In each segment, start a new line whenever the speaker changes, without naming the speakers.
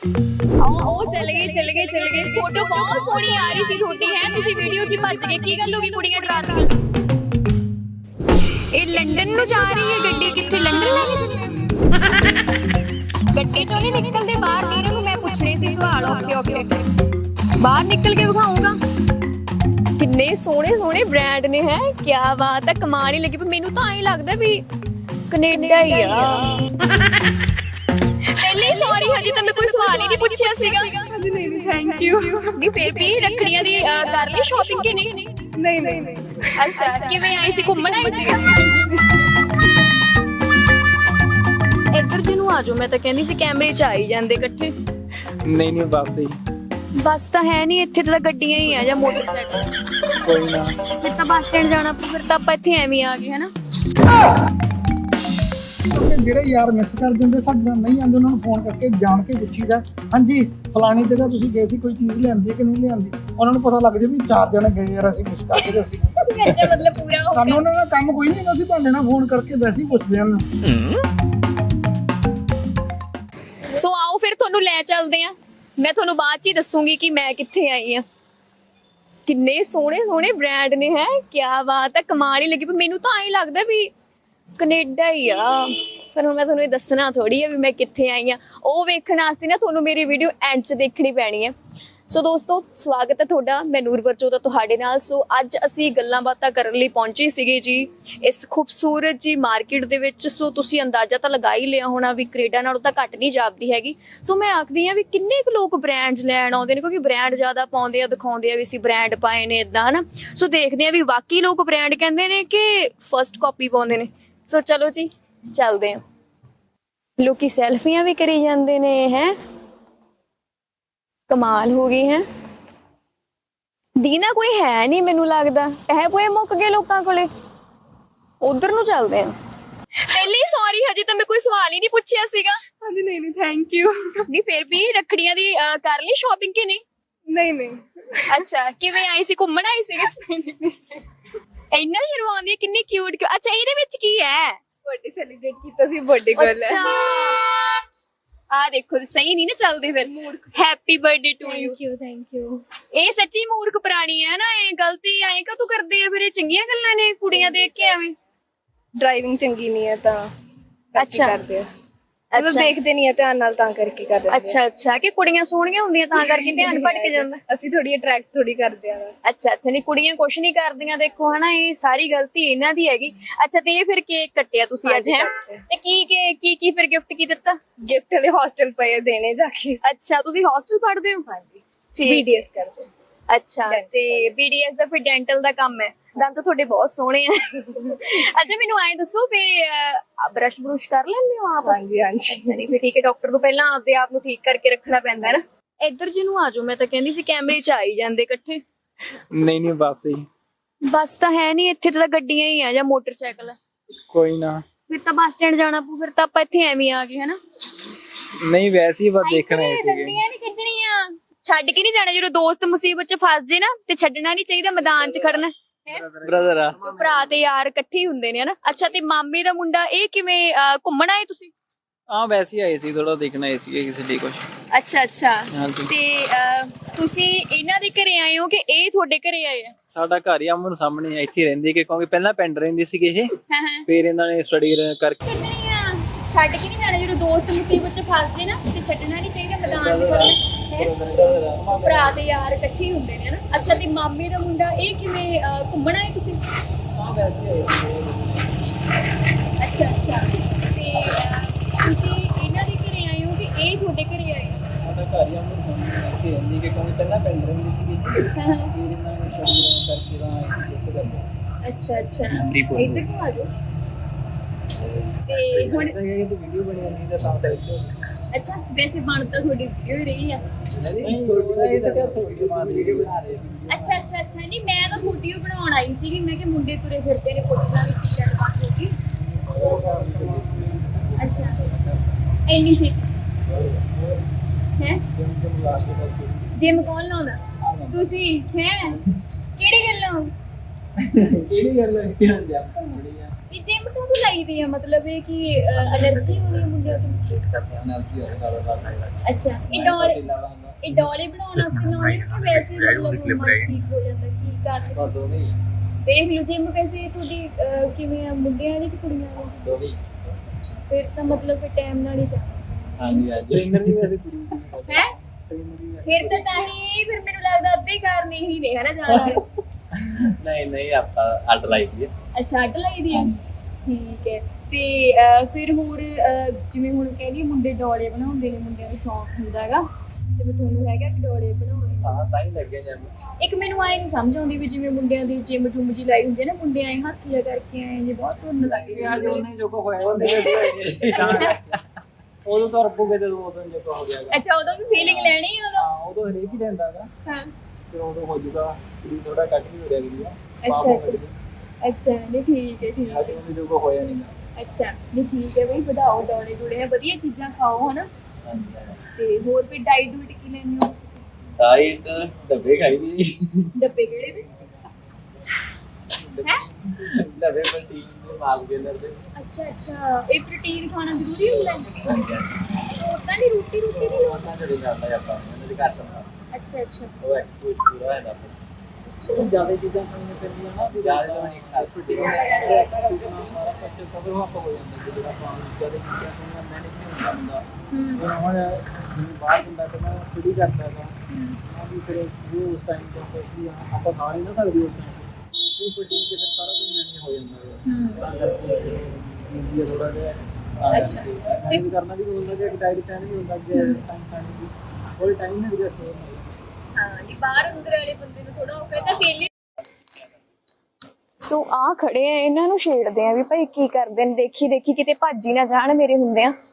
ਉਹ ਚਲੇ ਗਏ ਫੋਟੋ ਬਹੁਤ ਸੋਹਣੀ ਆ ਰਹੀ ਸੀ ਤੁਹਾਡੀ ਹੈ ਤੁਸੀਂ ਵੀਡੀਓ 'ਚ ਭੱਜ ਗਏ ਕੀ ਗੱਲ ਹੋ ਗਈ ਕੁੜੀਆਂ ਡਰਾਤੀਆਂ ਇਹ ਲੰਡਨ ਨੂੰ ਜਾ ਰਹੀ ਹੈ ਗੱਡੀ ਕਿੱਥੇ ਲੰਡਨ ਲੈ ਕੇ ਚੱਲੇ ਗੱਡੀ ਚੋਂ ਨਹੀਂ ਨਿਕਲਦੇ ਬਾਹਰ ਨੀਰੂ ਨੂੰ ਮੈਂ ਪੁੱਛਣੇ ਸੀ ਸਵਾਲ ਓਕੇ ਬਾਹਰ ਨਿਕਲ ਕੇ ਵਿਖਾਉਂਗਾ ਕਿੰਨੇ ਸੋਹਣੇ ਸੋਹਣੇ ਬ੍ਰਾਂਡ ਨੇ ਹੈ ਕੀ ਬਾਤ ਹੈ ਕਮਾਲ ਹੀ ਲੱਗੀ ਪਰ ਮੈਨੂੰ ਤਾਂ ਐਂ ਲੱਗਦਾ ਵੀ ਕੈਨੇਡਾ ਹੀ ਆ ਪਹਿਲੇ ਸੌਰੀ ਹਜੇ ਤਾਂ ਮੈਂ ਕੋਈ ਸਵਾਲ ਹੀ ਨਹੀਂ ਪੁੱਛਿਆ ਸੀਗਾ
ਨਹੀਂ ਥੈਂਕ ਯੂ
ਨਹੀਂ ਫਿਰ ਵੀ ਰੱਖੜੀਆਂ ਦੀ ਕਰ ਲਈ ਸ਼ਾਪਿੰਗ ਕਿ ਨਹੀਂ ਅੱਛਾ ਕਿਵੇਂ ਆਈ ਸੀ ਘੁੰਮਣ ਆਈ ਸੀ ਇੱਧਰ ਜਿਹਨੂੰ ਆ ਜਾਓ ਮੈਂ ਤਾਂ ਕਹਿੰਦੀ ਸੀ ਕੈਮਰੇ 'ਚ ਆਈ ਜਾਂਦੇ ਇਕੱਠੇ
ਨਹੀਂ ਬਸ ਹੀ
ਬੱਸ ਤਾਂ ਹੈ ਨਹੀਂ ਇੱਥੇ ਤਾਂ ਗੱਡੀਆਂ ਹੀ ਆ ਜਾਂ ਮੋਟਰਸਾਈਕਲ
ਕੋਈ ਨਾ
ਫਿਰ ਤਾਂ ਬੱਸ ਸਟੈਂਡ ਜਾਣਾ ਫਿਰ ਤਾਂ ਆਪਾਂ ਇੱਥੇ ਐਵੇਂ ਆ ਗਏ ਹਨਾ
ਜਿਹੜੇ ਯਾਰ ਮਿਸ ਕਰ ਦਿੰਦੇ ਸਾਡੇ ਨਾਲ ਨਹੀਂ ਆਉਂਦੇ ਉਹਨਾਂ ਨੂੰ ਫੋਨ ਕਰਕੇ ਜਾਣ ਕੇ ਪੁੱਛੀਦਾ ਹਾਂਜੀ ਫਲਾਣੀ ਜਗ੍ਹਾ ਤੁਸੀਂ ਗਏ ਸੀ ਕੋਈ ਚੀਜ਼ ਲਿਆਂਦੀ ਹੈ ਕਿ ਨਹੀਂ ਲਿਆਂਦੀ ਉਹਨਾਂ ਨੂੰ ਪਤਾ ਲੱਗ ਜੇ ਵੀ 4 ਜਣੇ ਗਏ ਯਾਰ ਅਸੀਂ ਮਿਸ ਕਰ ਗਏ ਅਸੀਂ
ਅੱਛਾ ਮਤਲਬ ਪੂਰਾ ਹੋ
ਸਾਨੂੰ ਉਹਨਾਂ ਦਾ ਕੰਮ ਕੋਈ ਨਹੀਂ ਅਸੀਂ ਭਾਂਡੇ ਨਾਲ ਫੋਨ ਕਰਕੇ ਵੈਸੇ ਹੀ ਪੁੱਛਦੇ ਹਾਂ
ਸੋ ਆਓ ਫਿਰ ਤੁਹਾਨੂੰ ਲੈ ਚੱਲਦੇ ਆ ਮੈਂ ਤੁਹਾਨੂੰ ਬਾਅਦ 'ਚ ਹੀ ਦੱਸੂਗੀ ਕਿ ਮੈਂ ਕਿੱਥੇ ਆਈ ਆ ਕਿੰਨੇ ਸੋਹਣੇ ਸੋਹਣੇ ਬ੍ਰਾਂਡ ਨੇ ਹੈ ਕੀ ਬਾਤ ਹੈ ਕਮਾਲ ਹੀ ਲੱਗੀ ਪਰ ਮੈਨੂੰ ਤਾਂ ਐਂ ਲੱਗਦਾ ਵੀ ਕੈਨੇਡਾ ਹੀ ਆ ਪਰ ਹੁਣ ਮੈਂ ਤੁਹਾਨੂੰ ਇਹ ਦੱਸਣਾ ਥੋੜੀ ਆ ਵੀ ਮੈਂ ਕਿੱਥੇ ਆਈ ਆ ਉਹ ਵੇਖਣ ਵਾਸਤੇ ਨਾ ਤੁਹਾਨੂੰ ਮੇਰੀ ਵੀਡੀਓ ਐਂਡ 'ਚ ਦੇਖਣੀ ਪੈਣੀ ਹੈ ਸੋ ਦੋਸਤੋ ਸਵਾਗਤ ਹੈ ਤੁਹਾਡਾ ਮੈਂ ਨੂਰ ਵਰਚੋਦਾ ਤੁਹਾਡੇ ਨਾਲ ਸੋ ਅੱਜ ਅਸੀਂ ਗੱਲਾਂ ਬਾਤਾਂ ਕਰਨ ਲਈ ਪਹੁੰਚੇ ਸੀਗੇ ਜੀ ਇਸ ਖੂਬਸੂਰਤ ਜੀ ਮਾਰਕੀਟ ਦੇ ਵਿੱਚ ਸੋ ਤੁਸੀਂ ਅੰਦਾਜ਼ਾ ਤਾਂ ਲਗਾ ਹੀ ਲਿਆ ਹੋਣਾ ਵੀ ਕੈਨੇਡਾ ਨਾਲੋਂ ਤਾਂ ਘੱਟ ਨਹੀਂ ਜਾਪਦੀ ਹੈਗੀ ਸੋ ਮੈਂ ਆਖਦੀ ਆ ਵੀ ਕਿੰਨੇ ਕੁ ਲੋਕ ਬ੍ਰਾਂਡਸ ਲੈਣ ਆਉਂਦੇ ਨੇ ਕਿਉਂਕਿ ਬ੍ਰਾਂਡ ਜ਼ਿਆਦਾ ਪਾਉਂਦੇ ਆ ਦਿਖਾਉਂਦੇ ਆ ਵੀ ਅਸੀਂ ਬ੍ਰਾਂਡ ਪਾਏ ਨੇ ਇਦਾਂ ਹਨਾ ਸੋ ਦੇਖਦੇ ਆ ਵੀ ਵਾਕਈ ਲੋਕ ਬ੍ਰਾਂਡ ਕਹਿੰਦੇ ਨੇ ਕਿ ਫਸਟ ਕਾਪੀ ਪਾਉਂਦੇ ਨੇ ਸੋ ਚਲੋ ਜੀ ਚੱਲਦੇ ਆ ਲੋਕੀ ਸੈਲਫੀਆਂ ਵੀ ਕਰੀ ਜਾਂਦੇ ਨੇ ਹੈ ਕਮਾਲ ਹੋ ਗਈ ਹੈ ਦੀਨਾ ਕੋਈ ਹੈ ਨਹੀਂ ਮੈਨੂੰ ਲੱਗਦਾ ਇਹ ਕੋਈ ਮੁੱਕ ਗਏ ਲੋਕਾਂ ਕੋਲੇ ਉਧਰ ਨੂੰ ਚੱਲਦੇ ਆ ਪਹਿਲੇ ਸੌਰੀ ਹਜੇ ਤਾਂ ਮੈਂ ਕੋਈ ਸਵਾਲ ਹੀ ਨਹੀਂ ਪੁੱਛਿਆ ਸੀਗਾ
ਹਾਂਜੀ ਨਹੀਂ ਥੈਂਕ ਯੂ
ਨਹੀਂ ਫਿਰ ਵੀ ਰੱਖੜੀਆਂ ਦੀ ਕਰ ਲਈ ਸ਼ਾਪਿੰਗ ਕਿ
ਨਹੀਂ
ਅੱਛਾ ਕਿਵੇਂ ਆਈ ਸੀ ਘੁੰਮਣ ਆਈ ਸੀ ਇੰਨਾ ਸ਼ਰਮਾਉਂਦੀ ਹੈ ਕਿੰਨੀ ਕਿਊਟ ਅੱਛਾ ਇਹਦੇ ਵਿੱਚ ਕੀ ਹੈ
ਬਰਥਡੇ ਸੈਲੀਬ੍ਰੇਟ ਕੀਤਾ ਸੀ ਬਰਥਡੇ ਗਰਲ
ਅੱਛਾ ਆ ਦੇਖੋ ਸਹੀ ਨਹੀਂ ਨਾ ਚੱਲਦੇ ਫਿਰ happy birthday to you
thank you
ਇਹ ਸੱਚੀ ਮੂਰਖ ਪ੍ਰਾਣੀ ਹੈ ਨਾ ਇਹ ਗਲਤੀ ਐਂ ਕਾ ਤੂੰ ਕਰਦੇ ਆ ਫਿਰ ਇਹ ਚੰਗੀਆਂ ਗੱਲਾਂ ਨੇ ਕੁੜੀਆਂ ਦੇਖ ਕੇ ਐਵੇਂ
ਡਰਾਈਵਿੰਗ ਚੰਗੀ ਨਹੀਂ ਹੈ ਤਾਂ
ਅੱਛਾ
ਕਰਦੇ ਆ ਮਤਲਬ ਦੇਖਦੇ ਨਹੀਂ ਆ ਧਿਆਨ ਨਾਲ ਤਾਂ ਕਰਕੇ ਕਰਦੇ ਆ
ਅੱਛਾ ਕਿ ਕੁੜੀਆਂ ਸੋਹਣੀਆਂ ਹੁੰਦੀਆਂ ਤਾਂ ਕਰਕੇ ਧਿਆਨ ਭਟਕ ਜਾਂਦਾ
ਅਸੀਂ ਥੋੜੀ ਅਟਰੈਕਟ ਥੋੜੀ ਕਰਦੇ ਆ
ਅੱਛਾ ਨਹੀਂ ਕੁੜੀਆਂ ਕੁਛ ਨਹੀਂ ਕਰਦੀਆਂ ਦੇਖੋ ਹਨਾ ਇਹ ਸਾਰੀ ਗਲਤੀ ਇਹਨਾਂ ਦੀ ਹੈਗੀ ਅੱਛਾ ਤੇ ਇਹ ਫਿਰ ਕੇਕ ਕੱਟਿਆ ਤੁਸੀਂ ਅੱਜ ਹੈ ਤੇ ਕੀ ਫਿਰ ਗਿਫਟ ਕੀ ਦਿੱਤਾ
ਗਿਫਟ ਵਾਲੇ ਹੌਸਟਲ ਪਏ ਦੇਣੇ ਜਾ ਕੇ
ਅੱਛਾ ਤੁਸੀਂ ਹੌਸਟਲ ਪੜ੍ਹਦੇ ਹੋ
ਹਾਂਜੀ BDS ਕਰਦੇ
ਅੱਛਾ ਤੇ BDS ਦਾ ਫਿਰ ਡੈਂਟਲ ਦਾ ਕੰਮ ਹੈ ਦੰਦ ਤੁਹਾਡੇ ਬਹੁਤ ਸੋਹਣੇ ਆ ਅੱਛਾ ਮੈਨੂੰ ਐਂ ਦੱਸੋ ਵੀ ਬਰਸ਼ ਬਰੂਸ਼ ਕਰ ਲੈਂਦੇ ਹੋ ਆਪ
ਹਾਂਜੀ
ਅੱਛਾ ਨਹੀਂ ਫਿਰ ਠੀਕ ਹੈ ਡਾਕਟਰ ਤੋਂ ਪਹਿਲਾਂ ਆਪਦੇ ਆਪ ਨੂੰ ਠੀਕ ਕਰਕੇ ਰੱਖਣਾ ਪੈਂਦਾ ਹੈ ਨਾ ਇੱਧਰ ਜਿਹਨੂੰ ਆ ਜਾਓ ਮੈਂ ਤਾਂ ਕਹਿੰਦੀ ਸੀ ਕੈਮਰੇ 'ਚ ਆਈ ਜਾਂਦੇ ਇਕੱਠੇ
ਨਹੀਂ ਬਸ ਹੀ
ਬੱਸ ਤਾਂ ਹੈ ਨਹੀਂ ਇੱਥੇ ਤਾਂ ਗੱਡੀਆਂ ਹੀ ਆ ਜਾਂ ਮੋਟਰਸਾਈਕਲ
ਕੋਈ ਨਾ
ਫਿਰ ਤਾਂ ਬੱਸ ਸਟੈਂਡ ਜਾਣਾ ਪਊ ਫਿਰ ਤਾਂ ਆਪਾਂ ਇੱਥੇ ਐਵੇਂ ਆ ਗਏ ਹਨਾ
ਨਹੀਂ ਵੈਸੇ ਹੀ ਬਸ ਦੇਖਣਾ ਹੀ ਸੀਗੇ
ਗੱਡੀਆਂ ਨਹੀਂ ਕੱਢਣੀਆਂ ਛੱਡ ਕੇ ਨਹੀਂ ਜਾਣਾ ਜਦੋਂ ਦੋਸਤ ਮੁਸੀਬਤ 'ਚ ਫਸ ਜੇ ਨਾ ਤੇ ਛੱਡਣਾ ਨਹੀਂ ਚਾਹੀਦਾ ਮੈਦਾਨ 'ਚ ਖੜਨਾ
ਬ੍ਰਦਰ ਆ
ਭਰਾ ਤੇ ਯਾਰ ਇਕੱਠੇ ਹੀ ਹੁੰਦੇ ਨੇ ਹਨਾ ਅੱਛਾ ਤੇ ਮਾਮੇ ਦਾ ਮੁੰਡਾ ਇਹ ਕਿਵੇਂ ਘੁੰਮਣ ਆਏ ਤੁਸੀਂ
ਹਾਂ ਵੈਸੇ ਹੀ ਆਏ ਸੀ ਥੋੜਾ ਦੇਖਣਾ ਆਏ ਸੀ ਕਿਸੇ ਲਈ ਕੁਝ
ਅੱਛਾ
ਹਾਂਜੀ
ਤੇ ਤੁਸੀਂ ਇਹਨਾਂ ਦੇ ਘਰੇ ਆਏ ਹੋ ਕਿ ਇਹ ਤੁਹਾਡੇ ਘਰੇ ਆਏ ਆ
ਸਾਡਾ ਘਰ ਹੀ ਆਮਨ ਸਾਹਮਣੇ ਇੱਥੇ ਰਹਿੰਦੀ ਕਿ ਕਿਉਂਕਿ ਪਹਿਲਾਂ ਪਿੰਡ ਰਹਿੰਦੀ ਸੀਗੇ ਇਹ
ਹਾਂ
ਫਿਰ ਇਹਨਾਂ ਨੇ ਸਟੱਡੀ ਕਰਕੇ
ਛੱਡ ਕੇ ਨਹੀਂ ਜਾਣਾ ਜਦੋਂ ਦੋਸਤ ਮੁਸੀਬਤ 'ਚ ਫਸ ਜੇ ਨਾ ਤੇ ਛੱਡਣਾ ਨਹੀਂ ਚਾਹੀਦਾ ਮੈਦਾਨ 'ਚ ਖੜਨਾ ਭਰਾ ਤੇ ਯਾਰ ਇਕੱਠੇ ਹੀ ਹੁੰਦੇ ਨੇ ਹਨਾ ਅੱਛਾ ਤੇ ਮਾਮੇ ਦਾ ਮੁੰਡਾ ਇਹ ਕਿਵੇਂ ਘੁੰਮਣ ਆਏ ਤੁਸੀਂ
ਹਾਂ ਵੈਸੇ ਆਏ
ਅੱਛਾ ਤੇ ਤੁਸੀਂ ਇਹਨਾਂ ਦੇ ਘਰੇ ਆਏ ਹੋ ਕਿ ਇਹ ਤੁਹਾਡੇ ਘਰੇ ਆਏ
ਸਾਡਾ ਘਰ ਹੀ ਆਮਨ ਸਾਹਮਣੇ ਇੱਥੇ ਰਹਿੰਦੀ ਕਿ ਕਿਉਂਕਿ ਪਹਿਲਾਂ ਪਿੰਡ ਰਹਿੰਦੀ ਸੀਗੀ ਫਿਰ ਇਹਨਾਂ ਨੇ ਸਟੱਡੀ ਕਰਕੇ ਤਾਂ ਇੱਥੇ ਕਰਦੇ
ਅੱਛਾ ਇੱਧਰ ਨੂੰ ਆ ਜਾਓ ਤੇ ਹੁਣ
ਇਹ ਤਾਂ ਵੀਡੀਓ ਬਣੀ ਜਾਂਦੀ ਤਾਂ ਤਾਂ ਸਾਈਡ
ਅੱਛਾ ਵੈਸੇ ਬਣ ਤਾਂ ਤੁਹਾਡੀ ਵੀਡੀਓ ਹੀ ਰਹੀ ਆ
ਨਹੀਂ ਥੋੜੀ ਤਾਂ ਕਿਆ ਥੋੜੀ ਮਾਰ ਵੀਡੀਓ ਬਣਾ ਰਹੇ ਸੀ
ਅੱਛਾ ਨਹੀਂ ਮੈਂ ਤਾਂ ਵੀਡੀਓ ਬਣਾਉਣ ਆਈ ਸੀਗੀ ਮੈਂ ਕਿ ਮੁੰਡੇ ਤੁਰੇ ਫਿਰਦੇ ਨੇ ਪੁੱਛਣਾ ਵੀ ਕੀ ਗੱਲਬਾਤ ਹੋ ਗਈ ਅੱਛਾ ਇੰਨੀ ਹੈ ਜਿਮ ਕੌਣ ਲਾਉਂਦਾ ਤੁਸੀਂ ਹੈ ਕਿਹੜੀ ਗੱਲੋਂ
ਕਿਹੜੀ ਗੱਲ ਹੈ ਕਿ ਹੁਣ ਜਾ ਬੜੀ ਆ
ਇਹ ਜਿਮ ਤੋਂ ਵੀ ਲਾਈਦੀ ਆ ਮਤਲਬ ਇਹ ਕਿ ਐਲਰਜੀ ਹੋ ਰਹੀ ਹੈ ਮੁੰਡਿਆਂ ਚ
ਐਨਰਜੀ ਹੋਵੇ ਨਾਲ
ਅੱਛਾ ਇਹ ਡੋਲੇ ਬਣਾਉਣ ਵਾਸਤੇ ਲਾਉਣੇ ਕਿ ਵੈਸੇ ਮਤਲਬ ਮਨ ਠੀਕ ਹੋ ਜਾਂਦਾ ਕੀ ਕਰ
ਦੋਵੇਂ ਹੀ
ਦੇਖ ਲਓ ਜਿਮ ਵੈਸੇ ਤੁਹਾਡੀ ਕਿਵੇਂ ਆ ਮੁੰਡਿਆਂ ਵਾਲੀ ਕਿ ਕੁੜੀਆਂ ਵਾਲੀ
ਦੋਵੇਂ ਹੀ
ਫਿਰ ਤਾਂ ਮਤਲਬ ਫਿਰ ਟਾਈਮ ਨਾਲ ਹੀ ਜਾਣਾ
ਹਾਂਜੀ ਹਾਂਜੀ ਟ੍ਰੇਨਰ ਵੀ ਵੈਸੇ ਕੁੜੀ
ਹੈ
ਟ੍ਰੇਨਰ ਵੀ
ਫਿਰ ਤਾਂ ਹੀ ਫਿਰ ਮੈਨੂੰ ਲੱਗਦਾ ਅੱਧੇ ਕਾਰਨ ਇਹੀ ਨੇ ਹਨਾ ਜਾਣਾ
ਨਹੀਂ ਨਹੀਂ ਆਪਾਂ ਅੱਡ ਲਾਈ ਦੀ
ਅੱਛਾ ਅੱਡ ਲਾਈ ਦੀ ਆ ਠੀਕ ਹੈ ਤੇ ਫਿਰ ਹੋਰ ਜਿਵੇਂ ਹੁਣ ਕਹਿੰਦੀ ਮੁੰਡੇ ਡੋਲੇ ਬਣਾਉਂਦੇ ਨੇ ਮੁੰਡਿਆਂ ਨੂੰ ਸ਼ੌਂਕ ਹੁੰਦਾ ਹੈਗਾ ਤੇ ਮੈਂ ਤੁਹਾਨੂੰ ਹੈਗਾ ਕਿ ਡੋਲੇ ਬਣਾਉਣੇ
ਹਾਂ ਤਾਂ ਹੀ ਲੱਗੇ ਜਾਂ
ਇੱਕ ਮੈਨੂੰ ਆਏ ਨਹੀਂ ਸਮਝ ਆਉਂਦੀ ਵੀ ਜਿਵੇਂ ਮੁੰਡਿਆਂ ਦੀ ਜਿਮ ਜੁਮ ਜੀ ਲਾਈ ਹੁੰਦੀ ਹੈ ਨਾ ਮੁੰਡੇ ਆਏ ਹੱਥ ਜਿਹਾ ਕਰਕੇ ਆਏ ਜੇ ਬਹੁਤ ਧੁੰਨ ਲੱਗ
ਯਾਰ ਜੋ ਨਹੀਂ ਜੋ ਕੋ ਹੋਇਆ ਉਹਨੇ ਉਦੋਂ ਤਾਂ ਰੱਬੂਗੇ ਤੇ ਉਦੋਂ ਜੋ ਕੋ ਹੋ ਜਾਏਗਾ
ਅੱਛਾ ਉਦੋਂ ਵੀ ਫੀਲਿੰਗ ਲੈਣੀ ਹੈ ਉਦੋਂ
ਹਾਂ ਉਦੋਂ ਹਰੇਕ ਹੀ ਲੈਂਦਾ ਹੈਗਾ
ਹਾਂ
ਫਿਰ ਉਦੋਂ ਹੋ ਜਾਊਗਾ ਸਰੀਰ ਥੋੜਾ ਕੱਟ ਵੀ ਹੋ ਜਾਏਗੀ
ਅੱਛਾ ਅੱਛਾ ਅੱਛਾ ਨਹੀਂ ਠੀਕ ਹੈ ਠੀਕ ਹੈ
ਅੱਜ ਉਹਨੇ ਜੋ ਕੋ ਹੋਇਆ ਨਹੀਂ
ਅੱਛਾ ਨਹੀਂ ਠੀਕ ਹੈ ਬਈ ਵਧਾਓ ਡੋਲੇ ਡੋਲੇ ਹੈ ਵਧੀਆ ਚੀਜ਼ਾਂ ਖਾਓ ਹਨਾ ਤੇ ਹੋਰ ਫਿਰ ਡਾਈਟ ਡੂਟ ਕੀ ਲੈਣੀ ਹੋ
ਡਾਈਟ ਡੱਬੇ ਖਾਈ ਦੀ
ਡੱਬੇ ਕਿਹੜੇ ਨੇ ਹੈ
ਡੱਬੇ ਪ੍ਰੋਟੀਨ ਦੇ ਮਾਲ ਦੇ ਅੰਦਰ ਦੇ
ਅੱਛਾ ਅੱਛਾ ਇਹ ਪ੍ਰੋਟੀਨ ਖਾਣਾ ਜ਼ਰੂਰੀ ਹੁੰਦਾ ਹੈ ਉਦਾਂ ਦੀ ਰੋਟੀ ਰੋਟੀ ਨਹੀਂ ਲੋੜ
ਉਹਨਾਂ ਦੇ ਨਾਲ ਆਪਾਂ ਉਹਨਾਂ ਦੇ ਘੱਟ ਹੁੰਦਾ
ਅੱਛਾ ਅੱਛਾ
ਉਹ ਐਕਸਪੋਜ਼ ਪੂਰਾ ਹੈ ਨਾ ਉਹ ਜ਼ਿਆਦਾ ਚੀਜ਼ਾਂ ਖਾਣੀਆਂ ਪੈਂਦੀਆਂ ਨਾ ਜ਼ਿਆਦਾ ਤਾਂ ਨਹੀਂ ਖਾ ਪ੍ਰੋਟੀਨ ਸਾਰਾ ਕੁਝ ਕਵਰ ਹੋ ਜਾਂਦਾ ਜਦੋਂ ਆਪਾਂ ਜ਼ਿਆਦਾ ਚੀਜ਼ਾਂ ਖਾਣੀਆਂ ਮੈਨੇਜ ਨਹੀਂ ਹੁੰਦਾ ਹੁਣ ਜਿਵੇਂ ਬਾਹਰ ਹੁੰਦਾ ਕਿ ਮੈਂ ਸਟੱਡੀ ਕਰਦਾ ਹਾਂ ਹਾਂ ਵੀ ਫਿਰ ਉਹ ਉਸ ਟਾਈਮ ਤੋਂ ਕੋਈ ਆਪਾਂ ਖਾ ਨਹੀਂ ਨਾ ਸਕਦੇ ਉਸ ਟਾਈਮ ਉਹ ਪ੍ਰੋਟੀਨ ਕੇ ਫਿਰ ਸਾਰਾ ਕੁਝ ਮੈਨੇਜ ਹੋ ਜਾਂਦਾ ਹੈ ਤਾਂ ਕਰਕੇ ਇਹ ਥੋੜਾ ਜਿਹਾ
ਅੱਛਾ
ਤੇ ਕਰਨਾ ਵੀ ਹੁੰਦਾ ਕਿ ਡਾਈਟ ਪਲਾਨ ਵੀ ਹੁੰਦਾ ਕਿ ਟਾਈਮ ਖਾਣੇ ਦੀ ਕੋਈ ਟਾਈਮ ਨਹੀਂ ਹੁੰਦਾ
ਹਾਂ ਜੀ ਬਾਹਰ ਅੰਦਰ ਵਾਲੇ ਬੰਦੇ ਨੂੰ ਥੋੜਾ ਔਖਾ ਤਾਂ ਫੇਲੇ ਸੋ ਆ ਖੜੇ ਆ ਇਹਨਾਂ ਨੂੰ ਛੇੜਦੇ ਆ ਵੀ ਭਾਈ ਕੀ ਕਰਦੇ ਨੇ ਦੇਖੀ ਦੇਖੀ ਕਿਤੇ ਭੱਜ ਹੀ ਨਾ ਜਾਣ ਮੇਰੇ ਹੁੰਦੇ ਆ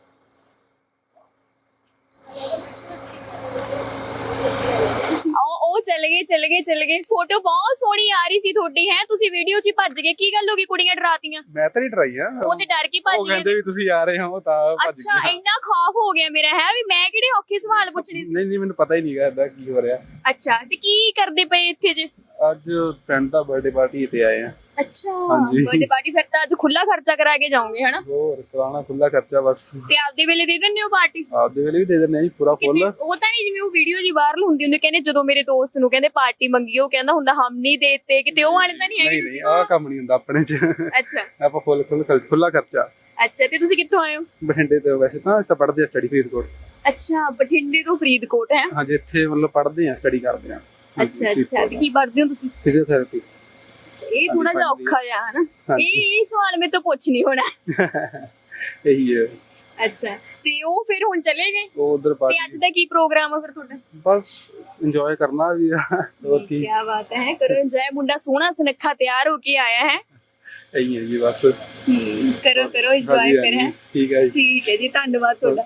ਉਹ ਚਲ ਗਏ ਫੋਟੋ ਬਹੁਤ ਸੋਹਣੀ ਆ ਰਹੀ ਸੀ ਤੁਹਾਡੀ ਹੈ ਤੁਸੀਂ ਵੀਡੀਓ 'ਚ ਹੀ ਭੱਜ ਗਏ ਕੀ ਗੱਲ ਹੋ ਗਈ ਕੁੜੀਆਂ ਡਰਾਤੀਆਂ
ਮੈਂ ਤਾਂ ਨਹੀਂ ਡਰਾਈ ਆ
ਉਹ ਤੇ ਡਰ ਕੇ ਭੱਜ
ਉਹ
ਗਏ
ਕਹਿੰਦੇ ਵੀ ਤੁਸੀਂ ਆ ਰਹੇ ਹੋ ਤਾਂ ਭੱਜ
ਅੱਛਾ
ਗਏ
ਇੰਨਾ ਖੌਫ ਹੋ ਗਿਆ ਮੇਰਾ ਹੈ ਵੀ ਮੈਂ ਕਿਹੜੇ ਔਖੇ ਸਵਾਲ ਪੁੱਛਣੇ ਸੀ
ਨਹੀਂ ਮੈਨੂੰ ਪਤਾ ਹੀ ਨਹੀਂਗਾ ਏਦਾਂ ਕੀ ਹੋ ਰਿਹਾ
ਅੱਛਾ ਤੇ ਕੀ ਕਰਦੇ ਪਏ ਇੱਥੇ ਜੇ
ਅੱਜ ਫਰੈਂਡ ਦਾ ਬਰਥਡੇ ਪਾਰਟੀ ਤੇ ਆਏ ਆ
ਅੱਛਾ
ਹਾਂਜੀ।
ਬਰਥਡੇ ਪਾਰਟੀ ਫਿਰ ਤਾਂ ਅੱਜ ਖੁੱਲਾ ਖਰਚਾ ਕਰਾ ਕੇ ਜਾਓਗੇ ਹਨਾ
ਹੋਰ ਕਰਾਣਾ ਖੁੱਲਾ ਖਰਚਾ ਬਸ
ਤੇ ਆਪਦੇ ਵੇਲੇ ਦੇ ਦਿੰਦੇ ਹੋ ਪਾਰਟੀ
ਆਪਦੇ ਵੇਲੇ ਵੀ ਦੇ ਦਿੰਦੇ ਆ ਜੀ ਪੂਰਾ ਫੁੱਲ
ਉਹ ਤਾਂ ਨਹੀਂ ਜਿਵੇਂ ਉਹ ਵੀਡੀਓ ਜੀ ਵਾਇਰਲ ਹੁੰਦੀ ਹੁੰਦੀ ਕਹਿੰਦੇ ਜਦੋਂ ਮੇਰੇ ਦੋਸਤ ਨੂੰ ਕਹਿੰਦੇ ਪਾਰਟੀ ਮੰਗੀ ਉਹ ਕਹਿੰਦਾ ਹੁੰਦਾ ਹਮ ਨਹੀਂ ਦੇਤੇ ਕਿਤੇ ਉਹ ਵਾਲੇ ਤਾਂ ਨਹੀਂ ਹੈਗੇ
ਨਹੀਂ ਆਹ ਕੰਮ ਨਹੀਂ ਹੁੰਦਾ ਆਪਣੇ ਚ
ਅੱਛਾ
ਆਪਾਂ ਖੁੱਲਾ ਖਰਚਾ
ਅੱਛਾ ਤੇ ਤੁਸੀਂ ਕਿੱਥੋਂ ਆਏ ਹੋ
ਬਠਿੰਡੇ ਤੋਂ ਵੈਸੇ ਤਾਂ ਇੱਥੇ ਪੜ੍ਹਦੇ ਆ ਸਟੱਡੀ ਫਰੀਦਕੋਟ
ਅੱਛਾ ਬਠਿੰਡੇ ਤੋਂ ਫਰੀਦਕੋਟ ਹੈ
ਹਾਂਜੀ ਇੱਥੇ ਮਤਲਬ ਪੜ੍ਹਦੇ ਆ ਸਟੱਡੀ ਕਰਦੇ ਆ
ਅੱਛਾ ਅੱਛਾ ਤੇ ਕੀ ਪੜ੍ਹਦੇ ਹੋ ਤੁਸੀਂ
ਫਿਜ਼ੀਓਥੈਰੇਪੀ
ਇਹ ਥੋੜਾ ਜਿਹਾ ਔਖਾ ਜਿਹਾ ਹੈ ਨਾ ਇਹ ਸਵਾਲ ਮੇਰੇ ਤੋਂ ਪੁੱਛ ਨਹੀਂ ਹੋਣਾ
ਇਹੀ ਹੈ
ਅੱਛਾ ਤੇ ਉਹ ਫਿਰ ਹੁਣ ਚਲੇ ਗਏ
ਉਹ ਉਧਰ
ਤੇ
ਪਾਰਟੀ
ਅੱਜ ਦਾ ਕੀ ਪ੍ਰੋਗਰਾਮ ਹੈ ਫਿਰ ਤੁਹਾਡਾ
ਬਸ ਇੰਜੋਏ ਕਰਨਾ ਵੀ ਆ ਹੋਰ ਕੀ
ਕੀ ਬਾਤ ਹੈ ਕਰੋ ਇੰਜੋਏ ਮੁੰਡਾ ਸੋਹਣਾ ਸੁਨੱਖਾ ਤਿਆਰ ਹੋ ਕੇ ਆਇਆ ਹੈ
ਇਹੀ ਹੈ ਜੀ ਬਸ
ਕਰੋ ਇੰਜੋਏ ਫਿਰ ਹੈ
ਠੀਕ ਹੈ ਜੀ
ਠੀਕ ਹੈ ਜੀ ਧੰਨਵਾਦ ਤੁਹਾਡਾ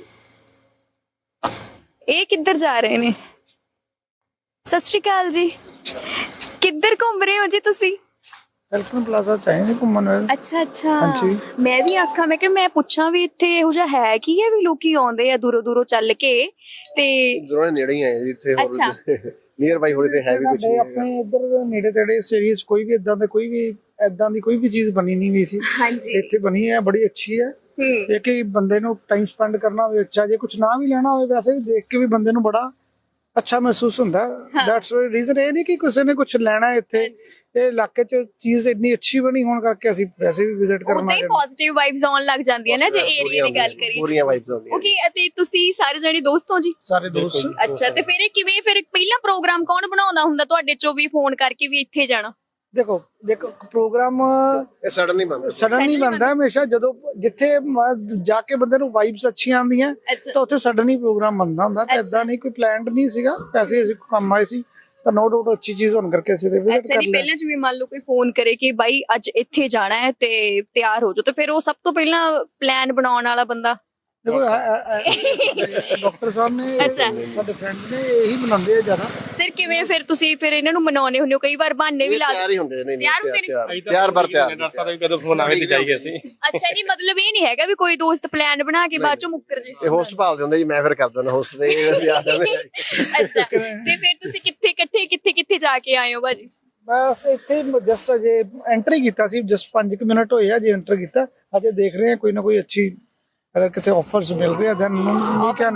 ਇਹ ਕਿੱਧਰ ਜਾ ਰਹੇ ਨੇ ਸਤਿ ਸ਼੍ਰੀ ਅਕਾਲ ਜੀ ਕਿੱਧਰ ਘੁੰਮ ਰਹੇ ਹੋ ਜੀ ਤੁਸੀਂ
ਐਲਫਨ ਪਲਾਜ਼ਾ ਚਾਹੀਦੇ ਘੁੰਮਣ ਵੇਲੇ
ਅੱਛਾ ਅੱਛਾ
ਹਾਂਜੀ।
ਮੈਂ ਵੀ ਆਖਾਂ ਮੈਂ ਕਿ ਮੈਂ ਪੁੱਛਾਂ ਵੀ ਇੱਥੇ ਇਹੋ ਜਿਹਾ ਹੈ ਕੀ ਹੈ ਵੀ ਲੋਕੀ ਆਉਂਦੇ ਆ ਦੂਰੋਂ ਦੂਰੋਂ ਚੱਲ ਕੇ ਤੇ
ਦੋਨੇ ਨੇੜੇ ਹੀ ਆਏ ਜਿੱਥੇ ਹੋਰ
ਅੱਛਾ।
ਨੀਅਰ ਬਾਈ ਹੋਰੇ ਤੇ ਹੈ ਵੀ ਕੁਝ
ਸਾਡੇ
ਨਹੀਂ
ਆਪਣੇ ਇੱਧਰ ਨੇੜੇ ਤੇੜੇ ਸੀਰੀਜ਼ ਕੋਈ ਵੀ ਇਦਾਂ ਦੀ ਕੋਈ ਵੀ ਚੀਜ਼ ਬਣੀ ਨਹੀਂ ਹੋਈ ਸੀ
ਹਾਂਜੀ
ਇੱਥੇ ਬਣੀ ਹੈ ਬੜੀ ਅੱਛੀ ਹੈ ਇਹ ਕਿ ਬੰਦੇ ਨੂੰ ਟਾਈਮ ਸਪੈਂਡ ਕਰਨਾ ਹੋਵੇ ਅੱਛਾ ਜੇ ਕੁਝ ਨਾ ਵੀ ਲੈਣਾ ਹੋਵੇ ਵੈਸੇ ਵੀ ਦੇਖ ਕੇ ਵੀ ਬੰਦੇ ਨੂੰ ਬੜਾ ਅੱਛਾ ਮਹਿਸੂਸ ਹੁੰਦਾ ਦੈਟਸ ਰੀਜ਼ਨ ਇਹ ਨਹੀਂ ਕਿ ਕਿਸੇ ਨੇ ਕੁਝ ਲੈਣਾ ਇੱਥੇ ਇਹ ਇਲਾਕੇ 'ਚ ਚੀਜ਼ ਇੰਨੀ ਅੱਛੀ ਬਣੀ ਹੋਣ ਕਰਕੇ ਅਸੀਂ ਵੈਸੇ ਵੀ ਵਿਜ਼ਿਟ ਕਰਨਾ
ਉਹਦੇ ਪੋਜ਼ਿਟਿਵ ਵਾਈਬਸ ਆਉਣ ਲੱਗ ਜਾਂਦੀਆਂ ਨਾ ਜੇ ਏਰੀਆ ਦੀ ਗੱਲ ਕਰੀਏ
ਪੂਰੀਆਂ ਵਾਈਬਸ ਆਉਂਦੀਆਂ
ਓਕੇ ਅਤੇ ਤੁਸੀਂ ਸਾਰੇ ਜਣੇ ਦੋਸਤ ਹੋ ਜੀ
ਸਾਰੇ ਦੋਸਤ
ਅੱਛਾ ਤੇ ਫਿਰ ਇਹ ਕਿਵੇਂ ਫਿਰ ਪਹਿਲਾ ਪ੍ਰੋਗਰਾਮ ਕੌਣ ਬਣਾਉਂਦਾ ਹੁੰਦਾ ਤੁਹਾਡੇ ਚੋਂ ਵੀ ਫੋਨ ਕਰਕੇ ਵੀ ਇੱਥੇ ਜਾਣਾ
ਦੇਖੋ ਪ੍ਰੋਗਰਾਮ
ਇਹ ਸਡਨ ਨਹੀਂ ਬਣਦਾ
ਸਡਨ ਨਹੀਂ ਬਣਦਾ ਹਮੇਸ਼ਾ ਜਦੋਂ ਜਿੱਥੇ ਜਾ ਕੇ ਬੰਦੇ ਨੂੰ ਵਾਈਬਸ ਅੱਛੀਆਂ ਆਉਂਦੀਆਂ
ਅੱਛਾ
ਤਾਂ ਉੱਥੇ ਸਡਨ ਹੀ ਪ੍ਰੋਗਰਾਮ ਬਣਦਾ ਹੁੰਦਾ ਤੇ ਇਦਾਂ ਨਹੀਂ ਕੋਈ ਪਲਾਨਡ ਨਹੀਂ ਸੀਗਾ ਪੈਸੇ ਅਸੀਂ ਕੰਮ ਆਏ ਸੀ ਤਾਂ ਨੋ ਡਾਊਟ ਅੱਛੀ ਚੀਜ਼ ਹੋਣ ਕਰਕੇ ਅਸੀਂ ਤੇ ਵਿਜ਼ਿਟ
ਅੱਛਾ
ਕਰ
ਜੀ
ਲਿਆ
ਪਹਿਲਾਂ ਜਿਵੇਂ ਮੰਨ ਲਓ ਕੋਈ ਫੋਨ ਕਰੇ ਕਿ ਬਾਈ ਅੱਜ ਇੱਥੇ ਜਾਣਾ ਹੈ ਤੇ ਤਿਆਰ ਹੋ ਜਾਓ ਤੇ ਫਿਰ ਉਹ ਸਭ ਤੋਂ ਪਹਿਲਾਂ ਪਲਾਨ ਬਣਾਉਣ ਵਾਲਾ ਬੰਦਾ
ਦੇਖੋ ਡਾਕਟਰ ਸਾਹਿਬ ਨੇ
ਅੱਛਾ।
ਸਾਡੇ ਫਰੈਂਡ ਨੇ ਇਹੀ ਬਣਾਉਂਦੇ ਆ ਜ਼ਿਆਦਾ
ਸਿਰ ਕਿਵੇਂ ਫਿਰ ਤੁਸੀਂ ਫਿਰ ਇਹਨਾਂ ਨੂੰ ਮਨਾਉਣੇ ਹੁੰਦੇ ਹੋ ਕਈ ਵਾਰ ਬਹਾਨੇ ਵੀ ਲਾ
ਤਿਆਰ ਹੀ ਹੁੰਦੇ ਨੇ
ਤਿਆਰ ਹੁੰਦੇ ਨੇ?
ਤਿਆਰ ਬਰ ਤਿਆਰ
ਡਾਕਟਰ ਸਾਹਿਬ ਕਦੋਂ ਫੋਨ ਆਵੇ ਤੇ ਜਾਈਏ ਅਸੀਂ
ਅੱਛਾ ਜੀ ਮਤਲਬ ਇਹ ਨਹੀਂ ਹੈਗਾ ਵੀ ਕੋਈ ਦੋਸਤ ਪਲਾਨ ਬਣਾ ਕੇ ਬਾਅਦ ਚੋਂ ਮੁੱਕਰ ਜੇ
ਇਹ ਹੋਸਟ ਭਾਲਦੇ ਹੁੰਦੇ ਜੀ ਮੈਂ ਫਿਰ ਕਰ ਦਿੰਦਾ ਹੋਸਟ ਤੇ ਯਾਦ ਆਉਂਦੇ
ਅੱਛਾ ਤੇ ਫਿਰ ਤੁਸੀਂ ਕਿੱਥੇ ਜਾ ਕੇ ਆਏ ਹੋ ਬਾਜੀ
ਬਸ ਇੱਥੇ ਜਸਟ ਅਜੇ ਐਂਟਰੀ ਕੀਤਾ ਸੀ, ਜਸਟ 5 ਮਿੰਟ ਹੋਏ ਆ ਜੇ ਐਂਟਰ ਕੀਤਾ। ਅਜੇ ਦੇਖ ਰਹੇ ਹਾਂ ਕੋਈ ਨਾ ਕੋਈ ਅੱਛੀ ਅਗਰ ਕਿਤੇ ਆਫਰਸ ਮਿਲ ਰਹੇ ਆ ਦੈਨ ਵੀ ਕੈਨ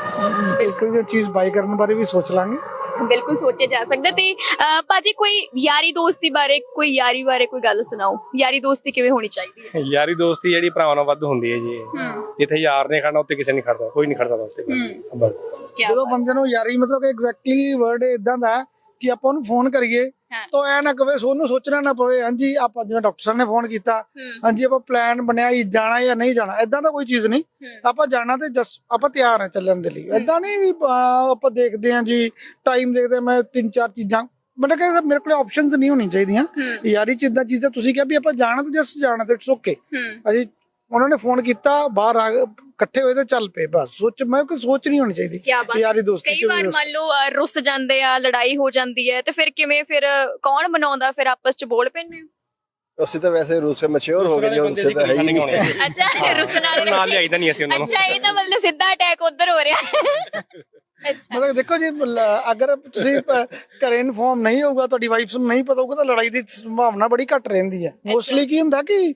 ਕੋਈ ਚੀਜ਼ ਬਾਈ ਕਰਨ ਬਾਰੇ ਵੀ ਸੋਚ ਲਾਂਗੇ।
ਬਿਲਕੁਲ ਸੋਚਿਆ ਜਾ ਸਕਦਾ। ਤੇ ਭਾਜੀ ਕੋਈ ਯਾਰੀ ਦੋਸਤੀ ਬਾਰੇ, ਕੋਈ ਯਾਰੀ ਬਾਰੇ ਕੋਈ ਗੱਲ ਸੁਣਾਓ। ਯਾਰੀ ਦੋਸਤੀ ਕਿਵੇਂ ਹੋਣੀ ਚਾਹੀਦੀ ਹੈ?
ਯਾਰੀ ਦੋਸਤੀ ਜਿਹੜੀ ਭਰਾਵਾਂ ਨਾਲ ਵੱਧ ਹੁੰਦੀ ਹੈ ਜੀ। ਜਿੱਥੇ ਯਾਰ ਨੇ ਖੜਨਾ ਉੱਥੇ ਕਿਸੇ ਨਹੀਂ ਖੜ ਸਕਦਾ, ਕੋਈ ਨਹੀਂ ਖੜ ਸਕਦਾ ਉੱਥੇ ਬਸ।
ਜਦੋਂ ਬੰਦੇ ਨੂੰ ਯਾਰੀ ਮਤਲਬ ਕਿ ਐਗਜ਼ੈਕਟਲੀ ਵਰਡ ਇਦਾਂ ਦਾ ਕਿ ਆਪਾਂ ਉਹਨੂੰ ਫੋਨ ਕਰੀਏ ਤਾਂ ਐ ਨਾ ਕਵੇ ਉਹਨੂੰ ਸੋਚਣਾ ਨਾ ਪਵੇ ਹਾਂਜੀ ਆਪਾਂ ਜਿਵੇਂ ਡਾਕਟਰ ਸਾਹਿਬ ਨੇ ਫੋਨ ਕੀਤਾ ਹਾਂਜੀ ਆਪਾਂ ਪਲਾਨ ਬਣਿਆ ਜਾਣਾ ਜਾਂ ਨਹੀਂ ਜਾਣਾ, ਏਦਾਂ ਦਾ ਕੋਈ ਚੀਜ਼ ਨਹੀਂ। ਆਪਾਂ ਜਾਣਾ ਤੇ ਆਪਾਂ ਤਿਆਰ ਹਾਂ ਚੱਲਣ ਦੇ ਲਈ। ਏਦਾਂ ਨਹੀਂ ਵੀ ਆਪਾਂ ਦੇਖਦੇ ਹਾਂ ਜੀ ਟਾਈਮ ਦੇਖਦੇ ਮੈਂ 3-4 ਚੀਜ਼ਾਂ ਮਤਲਬ ਕਿ ਮੇਰੇ ਕੋਲ ਆਪਸ਼ਨਸ ਨਹੀਂ ਹੋਣੀ ਚਾਹੀਦੀਆਂ ਯਾਰੀ ਚ। ਇਦਾਂ ਚੀਜ਼ਾਂ ਤੁਸੀਂ ਕਿਹਾ ਵੀ ਆਪਾਂ ਜਾਣਾ ਤੇ ਜਸਟ ਜਾਣਾ ਤੇ ਇਟਸ ਓਕੇ। ਅਸੀਂ ਉਹਨਾਂ ਨੇ ਫੋਨ ਕੀਤਾ ਬਾਹਰ ਆ ਇਕੱਠੇ ਹੋਏ ਤੇ ਚੱਲ ਪਏ ਬਸ। ਮੈਂ ਕੋਈ ਸੋਚ ਨਹੀਂ ਹੋਣੀ ਚਾਹੀਦੀ ਯਾਰੀ ਦੋਸਤੀ ਚ।
ਕਈ ਵਾਰ ਮੰਨ ਲਓ ਰੁੱਸ ਜਾਂਦੇ ਆ, ਲੜਾਈ ਹੋ ਜਾਂਦੀ ਹੈ ਤੇ ਫਿਰ ਕਿਵੇਂ, ਫਿਰ ਕੌਣ ਮਨਾਉਂਦਾ, ਫਿਰ ਆਪਸ ਚ ਬੋਲ ਪੈਂਦੇ ਹੋ?
ਅਸੀਂ ਤਾਂ ਵੈਸੇ ਰੂਸ ਸੇ ਮੈਚੁਰ ਹੋ ਗਏ ਜੀ, ਉਨਸੇ ਤਾਂ ਹੈ ਹੀ ਨਹੀਂ।
ਅੱਛਾ ਰੁੱਸਣ ਵਾਲੇ
ਨਾਲ ਲਿਆਈਦਾ ਨਹੀਂ ਅਸੀਂ ਉਹਨਾਂ ਨੂੰ।
ਅੱਛਾ ਇਹ ਤਾਂ ਮਤਲਬ ਸਿੱਧਾ ਅਟੈਕ ਉਧਰ ਹੋ ਰਿਹਾ। ਅੱਛਾ
ਮਤਲਬ ਦੇਖੋ ਜੀ ਅਗਰ ਤੁਸੀਂ ਘਰੇ ਇਨਫੋਰਮ ਨਹੀਂ ਹੋਊਗਾ, ਤੁਹਾਡੀ ਵਾਈਫ ਨੂੰ ਨਹੀਂ ਪਤਾ ਹੋਊਗਾ ਤਾਂ ਲੜਾਈ ਦੀ ਸੰਭਾਵਨਾ ਬੜੀ ਘੱਟ ਰਹਿੰਦੀ ਹੈ। ਮੋਸਟਲੀ ਕੀ ਹੁੰਦਾ ਕਿ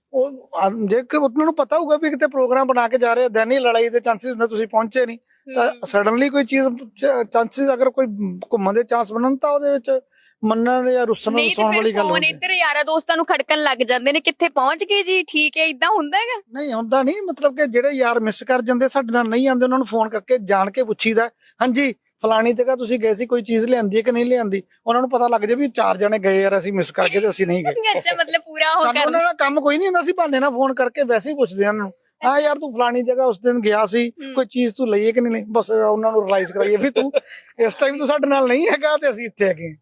ਉਹ ਜੇ ਉਹਨਾਂ ਨੂੰ ਪਤਾ ਹੋਊਗਾ ਵੀ ਕਿਤੇ ਪ੍ਰੋਗਰਾਮ ਬਣਾ ਕੇ ਜਾ ਰਹੇ ਦੈਨ ਹੀ ਲੜਾਈ ਦੇ ਚਾਂਸਸ ਹੁੰਦੇ, ਤੁਸੀਂ ਪਹੁੰਚੇ ਨਹੀਂ ਤਾਂ ਸਡਨਲੀ ਕੋਈ ਚੀਜ਼ ਚਾਂਸਸ ਅਗਰ ਕੋਈ ਘੁੰਮਣ ਦੇ ਚਾਂਸ ਬਣਨ ਤਾਂ ਉਹਦੇ ਵਿੱਚ ਮੰਨਣ ਜਾਂ ਰੁੱਸਣ ਰੁਸਾਉਣ ਵਾਲੀ ਗੱਲ ਹੁੰਦੀ ਹੈ।
ਇੱਧਰ ਯਾਰਾਂ ਦੋਸਤਾਂ ਨੂੰ ਖੜਕਣ ਲੱਗ ਜਾਂਦੇ ਨੇ ਕਿੱਥੇ ਪਹੁੰਚ ਗਏ ਜੀ, ਠੀਕ ਹੈ ਇਦਾਂ ਹੁੰਦਾ ਹੈਗਾ?
ਨਹੀਂ ਹੁੰਦਾ ਨਹੀਂ, ਮਤਲਬ ਕਿ ਜਿਹੜੇ ਯਾਰ ਮਿਸ ਕਰ ਜਾਂਦੇ ਸਾਡੇ ਨਾਲ ਨਹੀਂ ਆਉਂਦੇ ਉਹਨਾਂ ਨੂੰ ਫੋਨ ਕਰਕੇ ਜਾਣ ਕੇ ਪੁੱਛੀਦਾ ਹਾਂਜੀ ਫਲਾਣੀ ਜਗ੍ਹਾ ਤੁਸੀਂ ਗਏ ਸੀ, ਕੋਈ ਚੀਜ਼ ਲਿਆਂਦੀ ਹੈ ਕਿ ਨਹੀਂ ਲਿਆਂਦੀ। ਉਹਨਾਂ ਨੂੰ ਪਤਾ ਲੱਗ ਜਾਏ ਵੀ 4 ਜਣੇ ਗਏ ਯਾਰ ਅਸੀਂ ਮਿਸ ਕਰਕੇ ਤੇ ਅਸੀਂ ਨਹੀਂ ਗਏ।
ਅੱਛਾ ਮਤਲਬ ਪੂਰਾ ਹੋ
ਸਾਨੂੰ ਉਹਨਾਂ ਦਾ ਕੰਮ ਕੋਈ ਨਹੀਂ ਹੁੰਦਾ ਸੀ, ਬਹਾਨੇ ਨਾਲ ਫੋਨ ਕਰਕੇ ਵੈਸੇ ਹੀ ਪੁੱਛਦੇ ਉਹਨਾਂ ਨੂੰ ਹਾਂ ਯਾਰ ਤੂੰ ਫਲਾਣੀ ਜਗ੍ਹਾ ਉਸ ਦਿਨ ਗਿਆ ਸੀ, ਕੋਈ ਚੀਜ਼ ਤੂੰ ਲਈਏ ਕਿ ਨਹੀਂ ਲਈ। ਬਸ ਉਹਨਾਂ ਨੂੰ ਰਿਅਲਾਈਜ਼ ਕਰਾਈਏ ਵੀ ਤੂੰ ਇਸ ਟਾਈਮ ਤੂੰ ਸਾਡੇ ਨਾਲ ਨਹੀਂ ਹੈਗਾ ਤੇ ਅਸੀਂ ਇੱਥੇ ਹੈਗੇ।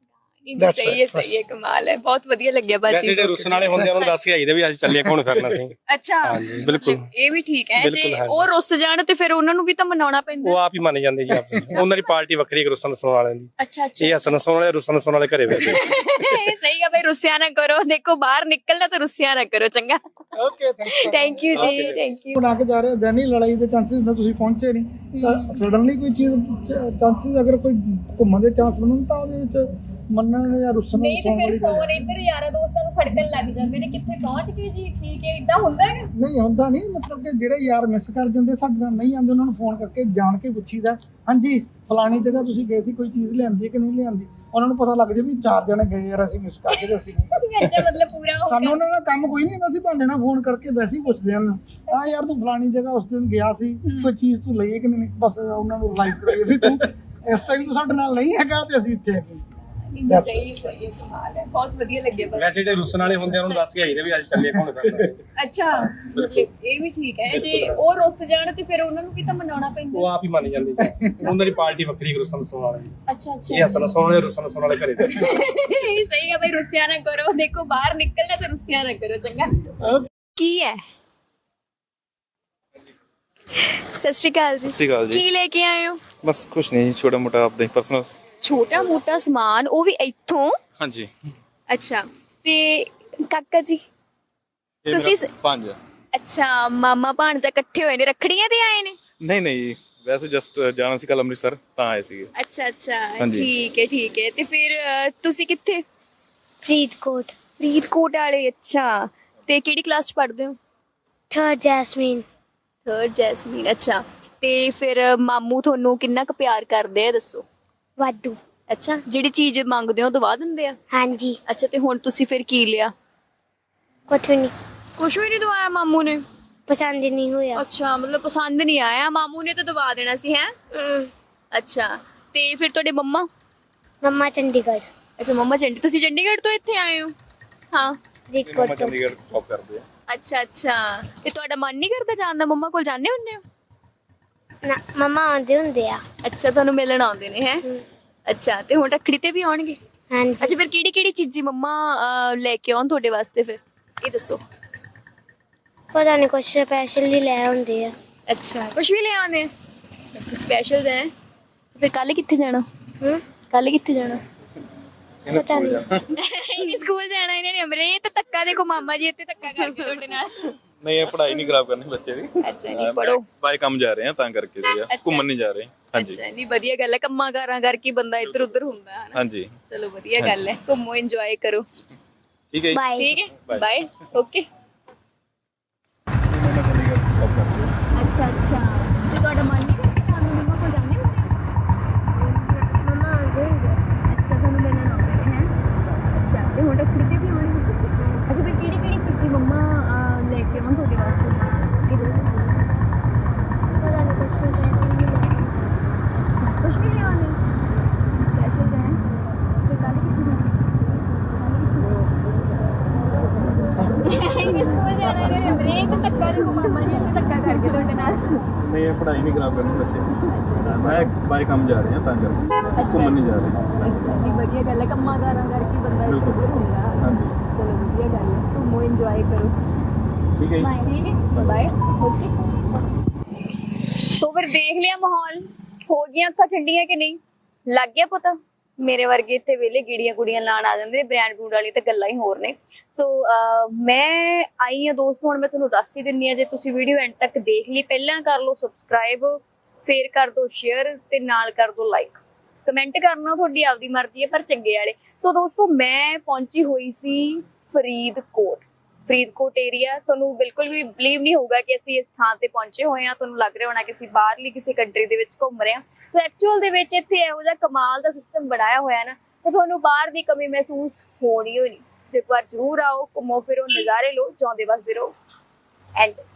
ਸਹੀ ਹੈ, ਕਮਾਲ ਹੈ, ਬਹੁਤ ਵਧੀਆ ਲੱਗਿਆ ਬਾਜੀ।
ਜਿਹੜੇ ਰੁੱਸਣ ਵਾਲੇ ਹੁੰਦੇ ਉਹਨਾਂ ਨੂੰ ਦੱਸ ਕੇ ਆਈਦੇ ਵੀ ਅੱਜ ਚੱਲੀਏ ਘੁੰਮਣ ਫਿਰਨਾ ਸੀ।
ਅੱਛਾ
ਬਿਲਕੁਲ
ਇਹ ਵੀ ਠੀਕ ਹੈ। ਜੇ ਉਹ ਰੁੱਸ ਜਾਣ ਤੇ ਫਿਰ ਉਹਨਾਂ ਨੂੰ ਵੀ ਤਾਂ ਮਨਾਉਣਾ ਪੈਂਦਾ।
ਉਹ ਆਪ ਹੀ ਮੰਨ ਜਾਂਦੇ ਜੀ ਆਪ। ਉਹਨਾਂ ਦੀ ਪਾਰਟੀ ਵੱਖਰੀ ਰੁੱਸਣ ਸੁਣਨ ਵਾਲਿਆਂ ਦੀ।
ਅੱਛਾ
ਇਹ ਹੱਸਣ ਸੁਣਨ ਵਾਲੇ ਰੁੱਸਣ ਸੁਣਨ ਵਾਲੇ ਘਰੇ ਬੈਠੇ।
ਸਹੀ ਹੈ ਬਈ, ਰੁੱਸਿਆ ਨਾ ਕਰੋ। ਦੇਖੋ ਬਾਹਰ ਨਿਕਲਣਾ ਤਾਂ ਰੁੱਸਿਆ ਨਾ ਕਰੋ। ਚੰਗਾ
ਓਕੇ
ਥੈਂਕ ਯੂ ਜੀ, ਥੈਂਕ ਯੂ।
ਬਣਾ ਕੇ ਜਾ ਰਹੇ ਦੈਨ ਹੀ ਲੜਾਈ ਦੇ ਚਾਂਸਸ ਹੁੰਦੇ, ਤੁਸੀਂ ਪਹੁੰਚੇ ਨਹੀਂ ਤਾਂ ਸਡਨਲੀ ਕੋਈ ਚੀਜ਼ ਚਾਂਸਸ ਅਗਰ ਕੋਈ ਘੁੰਮਣ ਦੇ ਚਾਂਸ ਬਣਨ ਤਾਂ ਉਹਦੇ ਵਿੱਚ ਮੰਨਣ ਜਾਂ ਰੁੱਸਣ
ਨਹੀਂ ਤੇ ਫਿਰ ਫੋਨ ਇੱਧਰ ਯਾਰਾਂ ਦੋਸਤਾਂ ਨੂੰ ਖੜਕਣ ਲੱਗ ਜਾਂਦੇ ਨੇ ਕਿੱਥੇ ਪਹੁੰਚ ਗਏ ਜੀ, ਠੀਕ ਹੈ ਇਦਾਂ ਹੁੰਦਾ ਹੈਗਾ?
ਨਹੀਂ ਹੁੰਦਾ ਨਹੀਂ, ਮਤਲਬ ਕਿ ਜਿਹੜੇ ਯਾਰ ਮਿਸ ਕਰ ਜਾਂਦੇ ਸਾਡੇ ਨਾਲ ਨਹੀਂ ਆਉਂਦੇ ਉਹਨਾਂ ਨੂੰ ਫੋਨ ਕਰਕੇ ਜਾਣ ਕੇ ਪੁੱਛੀਦਾ ਹਾਂਜੀ ਫਲਾਣੀ ਜਗ੍ਹਾ ਤੁਸੀਂ ਗਏ ਸੀ, ਕੋਈ ਚੀਜ਼ ਲਿਆਂਦੀ ਕਿ ਨਹੀਂ ਲਿਆਂਦੀ। ਉਹਨਾਂ ਨੂੰ ਪਤਾ ਲੱਗ ਜਾਏ ਵੀ 4 ਜਣੇ ਗਏ ਯਾਰ ਅਸੀਂ ਮਿਸ ਕਰਕੇ ਤੇ ਅਸੀਂ ਨਹੀਂ।
ਅੱਛਾ ਮਤਲਬ ਪੂਰਾ ਹੋ
ਸਾਨੂੰ ਉਹਨਾਂ ਦਾ ਕੰਮ ਕੋਈ ਨਹੀਂ ਹੁੰਦਾ ਸੀ, ਬਹਾਨੇ ਨਾਲ ਫੋਨ ਕਰਕੇ ਵੈਸੇ ਹੀ ਪੁੱਛਦੇ ਹਨ ਹਾਂ ਯਾਰ ਤੂੰ ਫਲਾਣੀ ਜਗ੍ਹਾ ਉਸ ਦਿਨ ਗਿਆ ਸੀ, ਕੋਈ ਚੀਜ਼ ਤੂੰ ਲਈਏ ਕਿ ਨਹੀਂ। ਬਸ ਉਹਨਾਂ ਨੂੰ ਰਿਅਲਾਈਜ਼ ਕਰਾਈਏ ਵੀ ਤੂੰ ਇਸ ਟਾਈਮ ਤੂੰ ਸਾਡੇ ਨਾਲ ਨਹੀਂ ਹੈਗਾ ਤੇ ਅਸੀਂ ਇੱਥੇ ਹੈਗੇ।
ਸਹੀ ਹੈ, ਕਮਾਲ ਹੈ, ਬਹੁਤ ਵਧੀਆ ਲੱਗਿਆ ਬਾਜੀ।
ਵੈਸੇ ਜਿਹੜੇ ਰੁੱਸਣ ਵਾਲੇ ਹੁੰਦੇ ਉਹਨਾਂ ਨੂੰ ਦੱਸ ਕੇ ਆਈਦੇ ਵੀ ਅੱਜ ਚੱਲੀਏ ਘੁੰਮਣ ਫਿਰਨਾ ਸੀ।
ਅੱਛਾ ਮਤਲਬ ਇਹ ਵੀ ਠੀਕ ਹੈ। ਜੇ ਉਹ ਰੁੱਸ ਜਾਣ ਤੇ ਫਿਰ ਉਹਨਾਂ ਨੂੰ ਵੀ ਤਾਂ ਮਨਾਉਣਾ ਪੈਂਦਾ।
ਉਹ ਆਪ ਹੀ ਮੰਨ ਜਾਂਦੇ ਜੀ। ਉਹਨਾਂ ਦੀ ਪਾਰਟੀ ਵੱਖਰੀ ਰੁੱਸਣ ਸੁਣਨ ਵਾਲਿਆਂ ਦੀ।
ਅੱਛਾ ਅੱਛਾ
ਇਹ ਹੱਸਣ ਸੁਣਨ ਵਾਲੇ ਰੁੱਸਣ ਸੁਣਨ ਵਾਲੇ ਘਰੇ ਬੈਠੇ।
ਸਹੀ ਹੈ ਬਈ, ਰੁੱਸਿਆ ਨਾ ਕਰੋ। ਦੇਖੋ ਬਾਹਰ ਨਿਕਲਣਾ ਤਾਂ ਰੁੱਸਿਆ ਨਾ ਕਰੋ। ਚੰਗਾ ਕੀ ਹੈ? ਸਤਿ ਸ਼੍ਰੀ ਅਕਾਲ ਜੀ।
ਸਤਿ ਸ਼੍ਰੀ ਅਕਾਲ ਜੀ।
ਕੀ ਲੈ ਕੇ ਆਏ ਹੋ?
ਬਸ ਕੁਛ ਨਹੀਂ ਜੀ, ਛੋਟਾ ਮੋਟਾ ਆਪਦਾ ਪਰਸਨਲ।
ਛੋਟਾ ਮੋਟਾ ਸਮਾਨ, ਉਹ ਵੀ ਇੱਥੋਂ?
ਹਾਂਜੀ।
ਅੱਛਾ ਤੇ ਕਾਕਾ ਜੀ ਤੁਸੀਂ
5।
ਅੱਛਾ ਮਾਮਾ ਭਾਣਜਾ ਇਕੱਠੇ ਹੋਏ ਨੇ, ਰੱਖੜੀਆਂ ਤੇ ਆਏ ਨੇ?
ਨਹੀਂ ਨਹੀਂ, ਵੈਸੇ ਜਸਟ ਜਾਣਾ ਸੀ ਕੱਲ ਅੰਮ੍ਰਿਤਸਰ ਤਾਂ ਆਏ ਸੀਗੇ।
ਅੱਛਾ ਅੱਛਾ ਠੀਕ ਹੈ। ਤੇ ਫਿਰ ਤੁਸੀਂ ਕਿੱਥੇ?
ਫਰੀਦਕੋਟ।
ਫਰੀਦਕੋਟ ਵਾਲੇ, ਅੱਛਾ। ਤੇ ਕਿਹੜੀ ਕਲਾਸ ਚ ਪੜ੍ਹਦੇ ਹੋ?
3rd Jasmine.
3rd ਜੈਸਮੀਨ, ਅੱਛਾ। ਤੇ ਫਿਰ ਮਾਮੂ ਤੁਹਾਨੂੰ ਕਿੰਨਾ ਕੁ ਪਿਆਰ ਕਰਦੇ ਆ ਦੱਸੋ?
ਵਾਧੂ।
ਅੱਛਾ ਜਿਹੜੀ ਚੀਜ਼ ਮੰਗਦੇ ਹੋ ਦਵਾ ਦਿੰਦੇ ਆ?
ਹਾਂਜੀ।
ਅੱਛਾ ਤੇ ਹੁਣ ਤੁਸੀਂ ਫਿਰ ਕੀ ਲਿਆ?
ਕੁਛ ਨਹੀਂ,
ਕੁਛ ਵੀ ਨਹੀਂ ਦਵਾਇਆ ਮਾਮੂ ਨੇ?
ਪਸੰਦ ਨਹੀਂ ਹੋਇਆ।
ਅੱਛਾ ਮਤਲਬ ਪਸੰਦ ਨਹੀਂ ਆਇਆ, ਮਾਮੂ ਨੇ ਤਾਂ ਦਵਾ ਦੇਣਾ ਸੀ ਹੈ? ਅੱਛਾ ਤੇ ਫਿਰ ਤੁਹਾਡੇ
ਮੰਮਾ ਚੰਡੀਗੜ੍ਹ।
ਅੱਛਾ ਮੰਮਾ ਤੁਸੀਂ ਚੰਡੀਗੜ੍ਹ ਤੋਂ ਇੱਥੇ ਆਏ ਹੋ? ਹਾਂ
ਫਰੀਦਕੋਟ ਤੋਂ।
ਚੰਡੀਗੜ੍ਹ ਜੌਬ ਕਰਦੇ ਆ।
ਅੱਛਾ ਤੇ ਤੁਹਾਡਾ ਮਨ ਨਹੀਂ ਕਰਦਾ ਜਾਣ ਦਾ? ਮੰਮਾ ਕੋਲ ਜਾਂਦੇ ਹੁੰਦੇ ਹੋ?
ਨਾ ਮੰਮਾ ਆਉਂਦੇ ਹੁੰਦੇ ਆ।
ਅੱਛਾ ਤੁਹਾਨੂੰ ਮਿਲਣ ਆਉਂਦੇ ਨੇ ਹੈ? ਅੱਛਾ ਤੇ ਹੁਣ ਰੱਖੜੀ ਤੇ ਵੀ ਆਉਣਗੇ?
ਹਾਂਜੀ।
ਅੱਛਾ ਫਿਰ ਕਿਹੜੀ ਚੀਜ਼ੀ ਮੰਮਾ ਲੈ ਕੇ ਆਉਣ ਤੁਹਾਡੇ ਵਾਸਤੇ ਫਿਰ ਇਹ ਦੱਸੋ?
ਪਤਾ ਨਹੀਂ, ਕੁਛ ਸਪੈਸ਼ਲ ਹੀ ਲੈ ਆਉਂਦੇ ਆ।
ਅੱਛਾ ਕੁਛ ਵੀ ਲੈ ਆਉਂਦੇ ਆ? ਅੱਛਾ ਸਪੈਸ਼ਲ ਹੈ। ਫਿਰ ਕੱਲ ਕਿੱਥੇ ਜਾਣਾ? ਕੱਲ ਕਿੱਥੇ ਜਾਣਾ?
ਪਤਾ ਨਹੀਂ।
ਸਕੂਲ ਜਾਣਾ ਇਹਨਾਂ ਨੇ। ਅਮਰੇ ਇਹ ਤਾਂ ਧੱਕਾ ਦੇਖੋ, ਮਾਮਾ ਜੀ ਇੱਥੇ ਧੱਕਾ ਕਰਕੇ ਤੁਹਾਡੇ ਨਾਲ।
ਨਹੀਂ ਇਹ ਪੜ੍ਹਾਈ ਨਹੀਂ ਖਰਾਬ ਕਰਨੀ ਬੱਚੇ ਦੀ
ਅੱਛਾ ਨਹੀਂ ਪੜੋ
ਬਾਈ ਕੰਮ ਜਾ ਰਹੇ ਆ ਤਾਂ ਕਰਕੇ ਸੀਗਾ ਘੁੰਮਣ ਨਹੀਂ ਜਾ ਰਹੇ ਹਾਂਜੀ
ਅੱਛਾ ਨਹੀਂ ਵਧੀਆ ਗੱਲ ਹੈ, ਕੰਮਾਂ ਕਾਰਾਂ ਕਰਕੇ ਬੰਦਾ ਇੱਧਰ ਉੱਧਰ ਹੁੰਦਾ ਹੈ ਨਾ।
ਹਾਂਜੀ
ਚਲੋ ਵਧੀਆ ਗੱਲ ਹੈ, ਘੁੰਮੋ ਇੰਜੋਏ ਕਰੋ।
ਠੀਕ ਹੈ ਜੀ
ਠੀਕ ਹੈ ਬਾਏ ਓਕੇ।
ਮੈਂ ਚੰਡੀਗੜ੍ਹ ਜੌਬ ਕਰਦੀ ਹਾਂ
ਅੱਛਾ ਅੱਛਾ ਤੇ ਤੁਹਾਡਾ ਮਨ ਨਹੀਂ ਕਰਦਾ ਤਾਂ ਮੰਮਾ ਕੋਲ ਜਾਂਦੇ ਹੋ?
ਮਮਾ ਆ ਜਾਏਗਾ।
ਅੱਛਾ ਤੁਹਾਨੂੰ ਮਿਲਣ ਆਉਂਦੇ ਨੇ ਹੈ। ਅੱਛਾ ਤੇ ਹੁਣ ਰੱਖੜੀ ਤੇ ਵੀ ਆਉਣਗੇ? ਅੱਛਾ ਫਿਰ ਕਿਹੜੀ ਕਿਹੜੀ ਚੀਜ਼ੀ ਮੰਮਾ ਲੈ ਕੇ ਆਉਣ ਤੁਹਾਡੇ ਵਾਸਤੇ ਕੀ ਦੱਸੋ?
ਪਤਾ ਨਹੀਂ ਕੁਛ ਨਹੀਂ
ਅੱਛਾ ਕੁਛ ਵੀ ਲਿਆਉਣੇ ਸਪੈਸ਼ਲ ਹੈ ਤੇ ਕੱਲ ਕਿੱਥੇ ਇੰਗਲਿਸ਼ ਸਕੂਲ ਜਾਣਾ ਨੇ ਬ੍ਰੇਕ ਧੱਕਾ ਦੇਖੋ ਮਾਮਾ ਜੀ ਇੱਥੇ ਧੱਕਾ ਕਰਕੇ ਤੁਹਾਡੇ ਨਾਲ।
ਨਹੀਂ ਇਹ ਪੜ੍ਹਾਈ ਨਹੀਂ ਖਰਾਬ ਕਰਨੀ ਬੱਚੇ ਦੀ ਮੈਂ ਬਾਈ ਕੰਮ ਜਾ ਰਹੇ ਆ ਤਾਂ ਕਰਕੇ ਘੁੰਮਣ ਨਹੀਂ ਜਾ ਰਹੇ
ਅੱਛਾ ਜੀ ਵਧੀਆ ਗੱਲ ਹੈ, ਕੰਮਾਂ ਕਾਰਾਂ ਕਰਕੇ ਬੰਦਾ ਇੱਧਰ ਉੱਧਰ ਹੁੰਦਾ।
ਹਾਂਜੀ
ਚਲੋ ਵਧੀਆ ਗੱਲ ਹੈ, ਘੁੰਮੋ ਇੰਜੋਏ ਕਰੋ।
ਠੀਕ ਹੈ ਜੀ
ਠੀਕ ਹੈ ਬਾਏ ਓਕੇ। ਸੋ ਫਿਰ ਦੇਖ ਲਿਆ ਮਾਹੌਲ, ਹੋ ਗਈਆਂ ਅੱਖਾਂ ਠੰਡੀਆਂ ਕਿ ਨਹੀਂ, ਲੱਗ ਗਿਆ ਪਤਾ? ਮੇਰੇ ਵਰਗੇ ਇੱਥੇ ਵੇਲੇ ਗੀੜੀਆਂ ਕੁੜੀਆਂ ਲਾਣ ਆ ਜਾਂਦੇ ਨੇ, ਬ੍ਰਾਂਡ ਬਰੂਡ ਵਾਲੀ ਤਾਂ ਗੱਲਾਂ ਹੀ ਹੋਰ ਨੇ। ਸੋ ਮੈਂ ਆਈ ਹਾਂ ਦੋਸਤੋ, ਹੁਣ ਮੈਂ ਤੁਹਾਨੂੰ ਦੱਸ ਹੀ ਦਿੰਨੀ ਆ, ਜੇ ਤੁਸੀਂ ਵੀਡੀਓ ਐਂਡ ਤੱਕ ਦੇਖ ਲਈ ਪਹਿਲਾਂ ਕਰ ਲਓ ਸਬਸਕ੍ਰਾਈਬ, ਫੇਰ ਕਰ ਦਿਓ ਸ਼ੇਅਰ ਤੇ ਨਾਲ ਕਰ ਦਿਓ ਲਾਈਕ। ਕਮੈਂਟ ਕਰਨਾ ਤੁਹਾਡੀ ਆਪਦੀ ਮਰਜ਼ੀ ਹੈ ਪਰ ਚੰਗੇ ਵਾਲੇ। ਸੋ ਦੋਸਤੋ ਮੈਂ ਪਹੁੰਚੀ ਹੋਈ ਸੀ ਫਰੀਦਕੋਟ ਏਰੀਆ। ਤੁਹਾਨੂੰ ਬਿਲਕੁਲ ਵੀ ਬਲੀਵ ਨਹੀਂ ਹੋਊਗਾ ਕਿ ਅਸੀਂ ਇਸ ਥਾਂ ਤੇ ਪਹੁੰਚੇ ਹੋਏ ਹਾਂ, ਤੁਹਾਨੂੰ ਲੱਗ ਰਿਹਾ ਹੋਣਾ ਕਿ ਅਸੀਂ ਬਾਹਰਲੀ ਕਿਸੇ ਕੰਟਰੀ ਦੇ ਵਿੱਚ ਘੁੰਮ ਰਹੇ ਹਾਂ। ਸੋ ਐਕਚੁਅਲ ਦੇ ਵਿੱਚ ਇੱਥੇ ਇਹੋ ਜਿਹਾ ਕਮਾਲ ਦਾ ਸਿਸਟਮ ਬਣਾਇਆ ਹੋਇਆ ਨਾ, ਤੇ ਤੁਹਾਨੂੰ ਬਾਹਰ ਦੀ ਕਮੀ ਮਹਿਸੂਸ ਹੋਣੀ ਹੋਈ ਨਹੀਂ। ਇੱਕ ਵਾਰ ਜ਼ਰੂਰ ਆਓ, ਘੁੰਮੋ ਫਿਰੋ, ਨਜ਼ਾਰੇ ਲਓ, ਜਿਉਂਦੇ ਵਸਦੇ ਰਹੋ। ਐਂਡ